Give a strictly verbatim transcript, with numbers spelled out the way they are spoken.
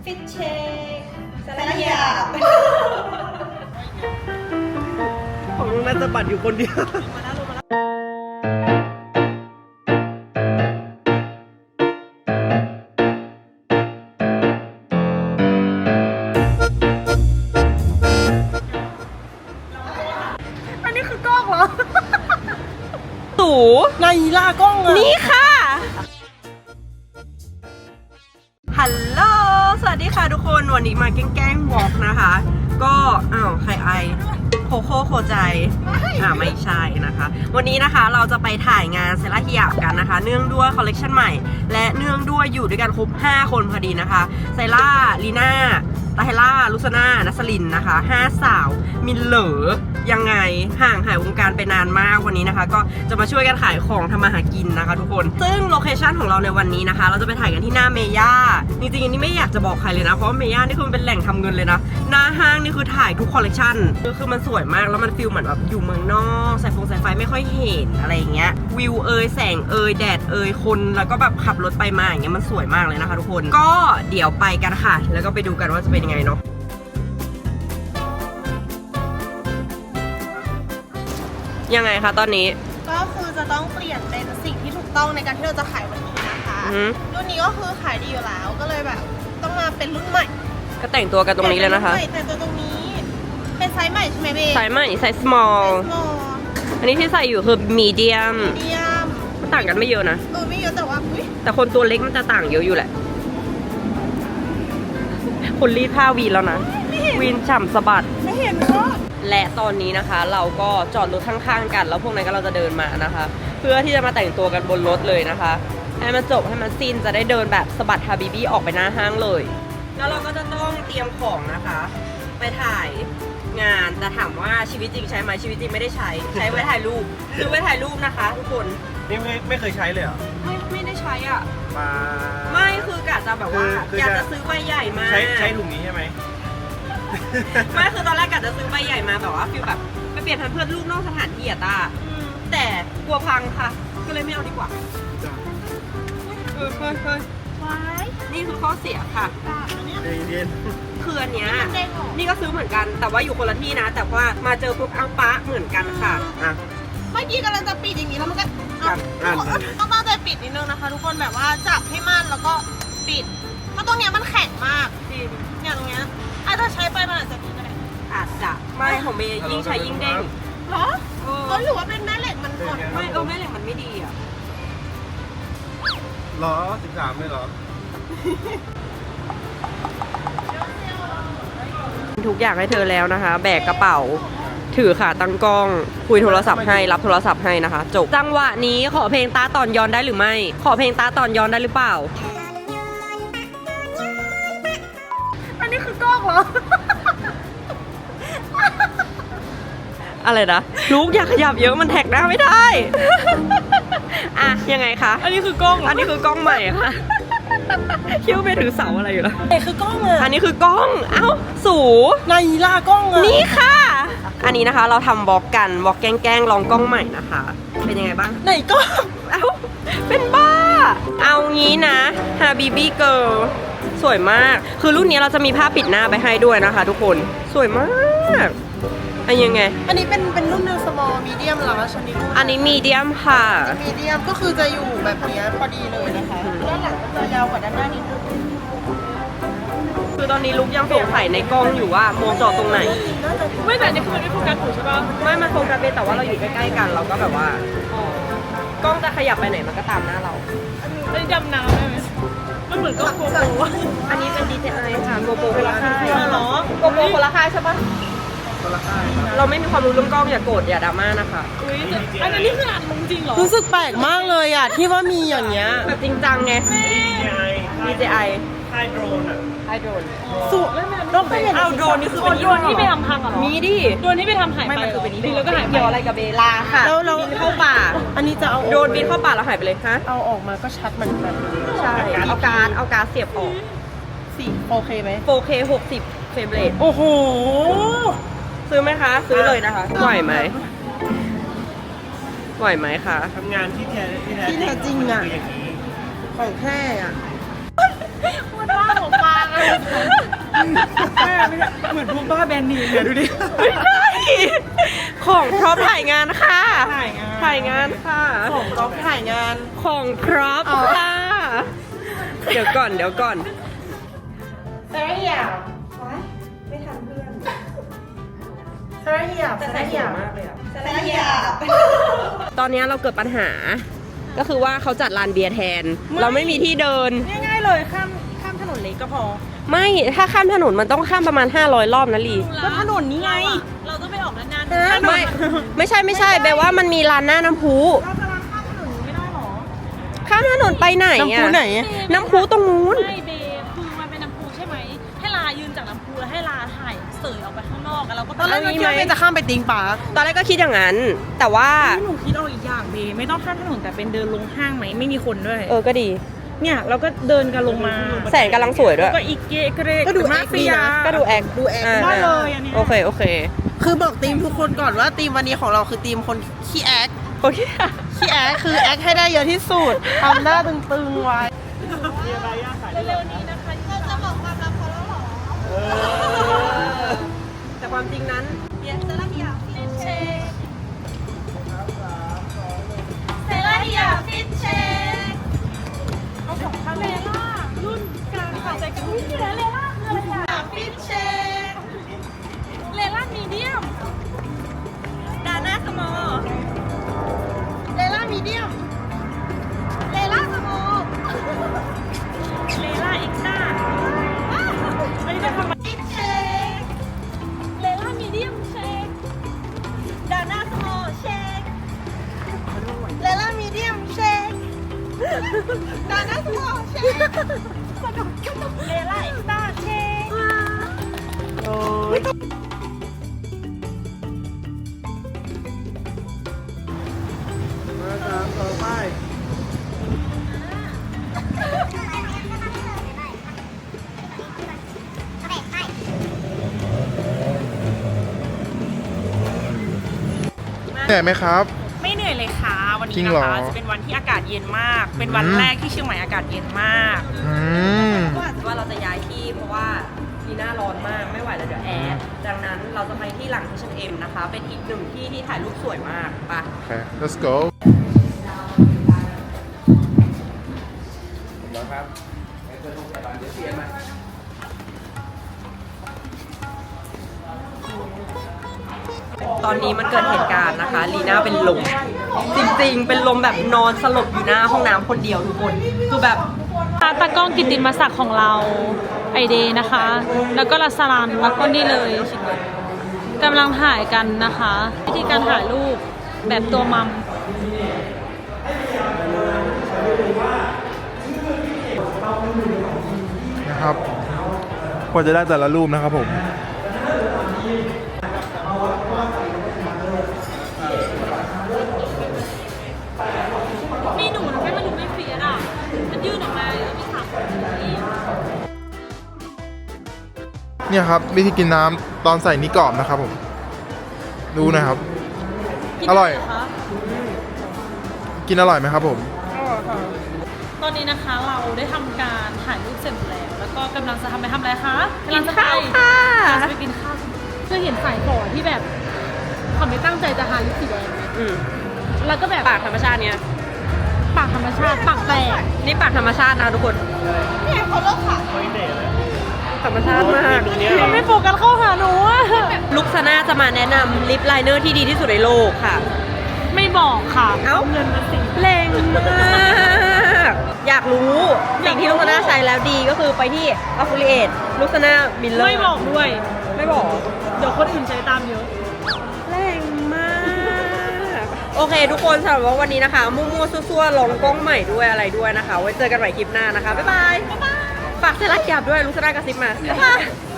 ฟิตเช็คสารยาของลุงนัทสะบัดอยู่คนเดียวมาแล้วลงมาแล้วอันนี้คือกล้องเหรอตู่ในล่ากล้องอะนี่ค่ะฮัลโหลสวัสดีค่ะทุกคนวันนี้มาแกล้งๆวอล์กนะคะก็อ้าวใครไอโคโค่โคใจอ่าไม่ใช่นะคะวันนี้นะคะเราจะไปถ่ายงานเซราฮิยะกันนะคะเนื่องด้วยคอลเลคชันใหม่และเนื่องด้วยอยู่ด้วยกันครบห้าคนพอดีนะคะไซล่าลีน่าตาเฮล่าลุซาน่านัสลินนะคะห้าสาวมินเหลอยังไงห่างหายวงการไปนานมากวันนี้นะคะก็จะมาช่วยกันขายของทำมาหากินนะคะทุกคนซึ่งโลเคชั่นของเราในวันนี้นะคะเราจะไปถ่ายกันที่หน้าเมย่าจริงๆอันนี้ไม่อยากจะบอกใครเลยนะเพราะว่าเมย่านี่คือมันเป็นแหล่งทำเงินเลยนะหน้าห้างนี่คือถ่ายทุกคอลเลคชันคือมันสวยมากแล้วมันฟีลเหมือนแบบอยู่เมืองนอกสายฟงสายไฟไม่ค่อยเห็นอะไรอย่างเงี้ยวิวเอยแสงเอยแดดเอยคนแล้วก็แบบขับรถไปมาอย่างเงี้ยมันสวยมากเลยนะคะทุกคนก็เดี๋ยวไปกันค่ะแล้วก็ไปดูกันว่าจะเป็นยังไงเนาะยังไงคะตอนนี้ก็คือจะต้องเปลี่ยนเป็นสิ่งที่ถูกต้องในการที่เราจะขายวันนี้นะคะรุ่นนี้ก็คือขายดีอยู่แล้วก็เลยแบบต้องมาเป็นรุ่นใหม่ก็แต่งตัวกันตรงนี้เลยนะคะแต่งตัวตรงนี้เป็นไซส์ใหม่ใช่ไหมเบไซส์ใหม่ไซส์ small อันนี้ที่ใส่อยู่คือ medium medium มันต่างกันไม่เยอะนะเออไม่เยอะแต่ว่าอุ้ยแต่คนตัวเล็กมันจะต่างเยอะอยู่แหละคนรีดผ้าวีนแล้วนะวีนฉ่ำสะบัดไม่เห็นก็และตอนนี้นะคะเราก็จอดรถข้างๆกันแล้วพวกนั้นก็เราจะเดินมานะคะเพื่อที่จะมาแต่งตัวกันบนรถเลยนะคะให้มันจบให้มันสิ้นจะได้เดินแบบสะบัดฮาบิบี้ออกไปหน้าห้างเลยแล้วเราก็จะต้องเตรียมของนะคะไปถ่ายงานแต่ถามว่าชีวิตจริงใช้ไหมชีวิตจริงไม่ได้ใช้ใช้ไว้ถ่ายรูปซื้อไว้ถ่ายรูปนะคะทุกคนนี่ไม่ไม่เคยใช้เลยเหรอไม่ไม่ได้ใช้อ่ะมาไม่คือกะจะแบบว่าอยากจะซื้อใบใหญ่มาใช้ใช้ถุงนี้ใช่ไหมไม่คือตอนแรกกะจะซื้อใบใหญ่มาแบบว่าฟิลแบบไปเปลี่ยนทันเพื่อนลูกนอกสถานที่อะตาแต่กลัวพังค่ะก็เลยไม่เอาดีกว่าเฮ้ยเฮ้ยเฮ้ยนี่คือข้อเสียค่ะเย็นคืออันเนี้ยนี่ก็ซื้อเหมือนกันแต่ว่าอยู่คนละที่นะแต่ว่ามาเจอปุ๊บอังปะเหมือนกันค่ะเมื่อกี้กำลังจะปิดอย่างนี้แล้วมันก็ต้องตั้งใจปิดนิดนึงนะคะทุกคนแบบว่าจับให้มั่นแล้วก็ปิดเพราะตรงเนี้ยมันแข็งมากเนี่ยตรงเนี้ยอาจจะใช้ไปมันอาจจะดีก็ได้อาจจะไม่ของเมย์ยิ่งใช้ยิ่งเด้งเหรอเออหรือว่าเป็นแม่เหล็กมันหมดไม่เออแม่เหล็กมันไม่ดีอ่ะหรอสิบสามเลยเหรอทุกอย่างให้เธอแล้วนะคะแบกกระเป๋าถือขาตั้งกล้องคุยโทรศัพท์ให้รับโทรศัพท์ให้นะคะจบจังหวะนี้ขอเพลงตาตอนย้อนได้หรือไม่ขอเพลงตาตอนย้อนได้หรือเปล่าอันนี้คือกล้องเหรออะไรนะลูกอยากขยับเยอะมันแท็กหน้าไม่ได้อ่ะยังไงคะอันนี้คือกล้องอันนี้คือกล้องใหม่ค่ะคิ้วไปถือเสาอะไรอยู่ล่ะเอ้คือกล้องอ่ะอันนี้คือกล้องเอ้าสูในล่ากล้องอ่ะนี่ค่ะอันนี้นะคะเราทำบล็อกกันบล็อกแกล้งๆลองกล้องใหม่นะคะเป็นยังไงบ้างไหนกล้องเอ้าเป็นบ้าเอางี้นะฮาบิบี้เกิร์ลสวยมากคือรุ่นนี้เราจะมีผ้าปิดหน้าไปให้ด้วยนะคะทุกคนสวยมากอันยังไงอันนี้เป็นเป็นรุ่น small medium หรอชนิดอันนี้ medium ค่ะ medium ก็คือจะอยู่แบบนี้พอดีเลยนะคะด้านหลังก็จะยาวกว่าด้านหน้านิดนึงคือตอนนี้ลุกยังสงสัยในกล้องอยู่ว่ามองจอตรงไหนไม่แต่นี่คือมันไม่โฟกัสถูกใช่ป่ะไม่มันโฟกัสไปแต่ว่าเราอยู่ใกล้ๆกันเราก็แบบว่ากล้องจะขยับไปไหนมันก็ตามหน้าเราอันนี้ดำน้ำได้ไหมมันเหมือนกล้องโกโปรอันนี้เป็น ดี เจ ไอ ค่ะโกโปรคนละค่ายเหรอโกโปรคนละค่ายใช่ปะเราไม่มีความรู้เรื่องกล้องอย่าโกรธอย่าดราม่านะคะอันนี้คืออ่านจริงเหรอรู้สึกแปลกมากเลยอ่ะที่ว่ามีอย่างเงี้ยแบบจริงจังไง ดี เจ ไอค่ายโดรนอ่ะค่ายโดรนสุดต้องไปเอาโดรนนี่คือเป็นโดรนที่ไปทำพังเหรอมีดิโดรนที่ไปทำหายไปคือเป็นนี้แล้วก็หายเกี่ยวอะไรกับเบลาค่ะแล้วเราบินเข้าป่าอันนี้จะเอาโดรนบินเข้าป่าแล้วหายไปเลยฮะเอาออกมาก็ชัดเหมือนกันใช่เอาการเอาการเสียบออกสี่โอเคไหมโอเคหกสิบเฟรมเรทโอ้โหซื้อไหมคะซื้อเลยนะคะไหวไหมไหวไหมคะทำงานที่แท้ที่แท้ที่แท้จริงอ่ะของแท้อ่ะพูดว่าของฟางอะไม่ใช่เหมือนพวกบ้าแบรนด์เนมเนี่ยดูดิไม่ใช่ของพร้อมถ่ายงานค่ะถ่ายงานถ่ายงานค่ะของเราถ่ายงานของพร้อมค่ะ เดี๋ยวก่อนเดี๋ยวก่อนเซราเฮียไม่ทันเพื่อนเซราเฮียแต่ใส่สวยมากเลยอ่ะเซราเฮียตอนนี้เราเกิดปัญหา ก็คือว่าเขาจัดลานเบียร์แทน เราไม่มีที่เดินง่ายๆเลยข้ามข้ามถนนเล็กก็พอไม่ ถ้าข้ามถนนมันต้องข้ามประมาณห้าร้อยรอบนะลีก็ถนนนี้ไงเราต้องไปออกนานๆไม่ ไม่ใช่ไม่ใช่แปลว่ามันมีลานหน้าน้ำพุเราจะมาข้ามถนนนี้ไม่ได้หรอข้ามถนนไปไหนอะน้ำพุไหนน้ำพุตรงนู้นไม่เบคือมันเป็นน้ำพุใช่ไหม ให้ลายืนจากน้ำพุแล้วให้ลาถ่ายเสยออกไปข้างนอกแล้วเราก็ตอนแรกเราคิดว่าเบนจะข้ามไปติงปาร์คตอนแรกก็คิดอย่างนั้น แต่ว่าหนูคิดเอาอีกอย่างเบไม่ต้องข้ามถนนแต่เป็นเดินลงห้างไหมไม่มีคนด้วยเออก็ดีเนี่ยเราก็เดินกันลงมาแสงกำลังสวยด้วยก็อีกเกะเกรก็ดูมาแอคดีเฟียนะก็ดูแอคดูแอคาได้เลยอันเนี้ยโอเคโอเคคือบอกทีมทุกคนก่อนว่าทีมวันนี้ของเราคือทีมคนขี้แอคโอเคขี้แอคคือแอคให้ได้เยอะที่สุดทำหน้าตึงๆไว้มีอะไรย่าขายเร็วๆนี้นะคะเราจะบอกความลับเขาแล้วหรอเออแต่ความจริงนั้นเยสเซราเฮียฟิชเชคเซราเฮียฟิชเชคเอาของคาเลล่ารุ่นกลางสาวใจกันอุ้ยเลล่าคืออะไรอะฟิชเชคเลล่ามีเดียมดาน่าสมอเลล่ามีเดียมเลล่าสโมอเลล่าเอ็กซ์ต้าอันนี้จะทำฟิชเชคเลล่ามีเดียมเชคดาน่าสโมอเชคเลล่ามีเดียมเชคดาน่าสโมอเชคเลล่าเอ็กซ์ต้าเชคโอ้ยมาตามต่อไปเหนื่อยไหมครับไม่เหนื่อยเลยค่ะวันจรินี้งนะเหรอคะจะเป็นวันที่อากาศเย็นมาก เป็นวันอืมแรกที่เชียงใหม่อากาศเย็นมากอืมว่าเราจะย้ายที่เพราะว่าลีน่าร้อนมากไม่ไหวแล้วเดี๋ยวแอร์ดังนั้นเราจะไปที่หลัง เอช แอนด์ เอ็ม นะคะ เป็นอีกหนึ่งที่ที่ถ่ายรูปสวยมากไปะโอเค let's go ตอนนี้มันเกิดเหตุการณ์นะคะลีน่าเป็นลมจริงๆ เป็นลมแบบนอนสลบอยู่หน้าห้องน้ำคนเดียวทุกคนคือแบบตากล้องกิตติมศักดิ์ของเราไอเดย์นะคะ แล้วก็ลัสลันแล้วก็นี่เลยกำลังถ่ายกันนะคะ วิธีการถ่ายรูปแบบตัวมัมนะครับกว่าจะได้แต่ละรูปนะครับผมนี่หนูนะแค่มันดูไม่เฟียดอ่ะ มันยื่นออกมาแล้วมีขาคนนี้เนี่ยครับ วิธีกินน้ำตอนใส่นี่กรอบนะครับผม ดูนะครับ อร่อย กินอร่อยไหมครับผมตอนนี้นะคะเราได้ทำการถ่ายรูปเสร็จแล้ว แล้วก็กำลังจะทำไปทำอะไรคะกำลังจะไปกินข้าวค่ะกำลังจะไปกินข้าวเคยเห็นสายฝอที่แบบเขาไม่ตั้งใจจะทาลิปสีแดงไหมอืมแล้วก็แบบปากธรรมชาติเนี่ยปากธรรมชาติปากแตกนี่ปากธรรมชาตินะทุกคนเนี่ยเขาเลิกค่ะไม่เด็ดเลยธรรมชาติมากตรงเนี้ยมันไม่โฟกัสเข้าหาหนูอะลุคซาน่าจะมาแนะนำลิปไลเนอร์ที่ดีที่สุดในโลกค่ะไม่บอกค่ะเอ้าเงินมาสิแรงมาก อยากรู้สิ่งที่ลุคซาน่าใช้แล้วดีก็คือไปที่ Affiliate ลุคซาน่ามิลเลอร์ไม่บอกด้วยไม่บอกเดี๋ยวคนอื่นใช้ตามเยอะแรงมาก โอเคทุกคนสำหรับว่าวันนี้นะคะ มั่วๆซั่วๆลองกล้องใหม่ด้วยอะไรด้วยนะคะ ไว้เจอกันใหม่คลิปหน้านะคะ บ๊ายบาย ฝากเซรั่มหยาบด้วยลุคซาน่ากระซิบมาบ๊ายบาย